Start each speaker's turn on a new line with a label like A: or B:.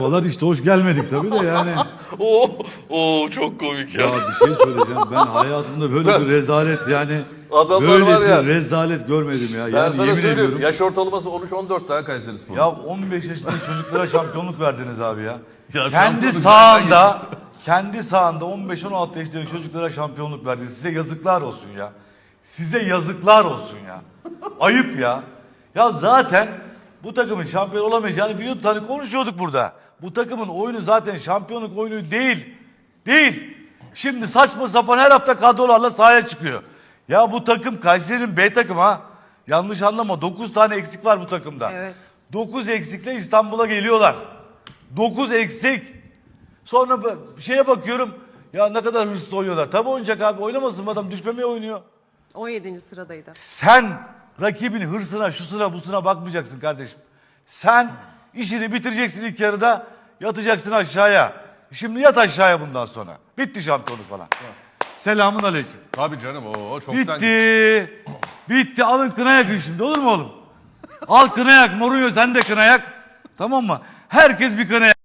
A: Vallahi işte hoş gelmedik tabii de yani.
B: Oo çok komik ya.
A: Ya bir şey söyleyeceğim. Ben hayatımda böyle bir rezalet yani
B: Adamlar
A: böyle
B: var ya.
A: bir rezalet görmedim ya.
B: Ben
A: Yani
B: sana
A: yemin
B: söylüyorum.
A: ediyorum.
B: Yaş ortalaması 13-14 tane Kayserispor.
A: Ya 15 yaşındaki çocuklara şampiyonluk verdiniz abi ya.
B: Ya
A: kendi
B: şampiyonluk
A: sahanda 15-16 yaşındaki çocuklara şampiyonluk verdiniz. Size yazıklar olsun ya. Size yazıklar olsun ya. Ayıp ya. Ya zaten bu takımın şampiyon olamayacağını biliyorduk. Hani konuşuyorduk burada. Bu takımın oyunu zaten şampiyonluk oyunu değil. Değil. Şimdi saçma sapan her hafta kadrolarla sahaya çıkıyor. Ya bu takım Kayseri'nin B takımı ha. Yanlış anlama. 9 tane eksik var bu takımda.
C: Evet.
A: 9 eksikle İstanbul'a geliyorlar. 9 eksik. Sonra şeye bakıyorum. Ya ne kadar hırslı oynuyorlar. Tabii oynayacak abi. Oynamasın mı adam? Düşmemeye oynuyor.
C: 17. sıradaydı.
A: Sen rakibin hırsına, şusuna, busuna bakmayacaksın kardeşim. Sen işini bitireceksin ilk yarıda, yatacaksın aşağıya. Şimdi yat aşağıya bundan sonra. Bitti şampiyonluk falan. Selamun aleyküm.
B: Tabii canım o çoktan.
A: Bitti. Bitti. Alın kına yakın şimdi, olur mu oğlum? Al kına yak. Mourinho sen de kına yak. Tamam mı? Herkes bir kına yak.